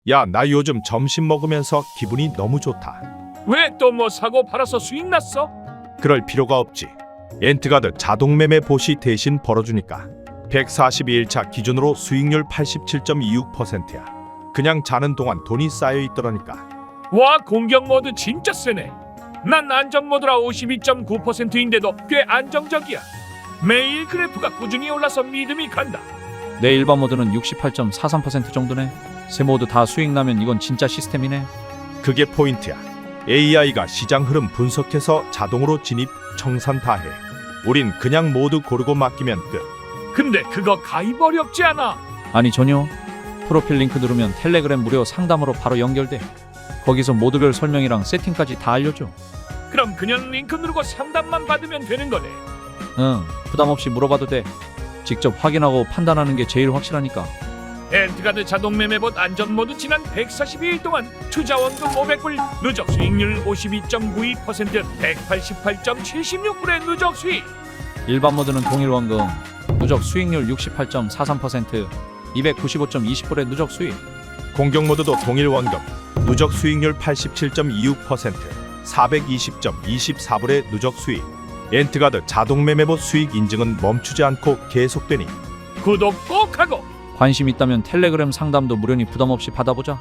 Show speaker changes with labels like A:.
A: 야, 나 요즘 점심 먹으면서 기분이 너무 좋다.
B: 왜 또 뭐 사고 팔아서 수익 났어?
A: 그럴 필요가 없지. 엔트가드 자동 매매 보시 대신 벌어주니까 142일차 기준으로 수익률 87.26%야. 그냥 자는 동안 돈이 쌓여 있더라니까.
B: 와, 공격 모드 진짜 세네. 난 안정 모드라 52.9%인데도 꽤 안정적이야. 매일 그래프가 꾸준히 올라서 믿음이 간다.
C: 내 일반 모드는 68.43% 정도네. 세 모드 다 수익 나면 이건 진짜 시스템이네.
A: 그게 포인트야. AI가 시장 흐름 분석해서 자동으로 진입, 청산 다 해. 우린 그냥 모두 고르고 맡기면 끝.
B: 근데 그거 가입 어렵지 않아?
C: 아니 전혀. 프로필 링크 누르면 텔레그램 무료 상담으로 바로 연결돼. 거기서 모드별 설명이랑 세팅까지 다 알려줘.
B: 그럼 그냥 링크 누르고 상담만 받으면 되는 거네.
C: 응, 부담 없이 물어봐도 돼. 직접 확인하고 판단하는 게 제일 확실하니까.
B: 엔트가드 자동 매매봇 안전 모드 지난 142일 동안 투자 원금 500불, 누적 수익률 52.92%, 188.76불의 누적 수익.
C: 일반 모드는 동일 원금, 누적 수익률 68.43%, 295.20불의 누적 수익.
A: 공격 모드도 동일 원금, 누적 수익률 87.26%, 420.24불의 누적 수익. 엔트가드 자동 매매봇 수익 인증은 멈추지 않고 계속되니
B: 구독 꼭 하고
C: 관심 있다면 텔레그램 상담도 무료니 부담 없이 받아보자.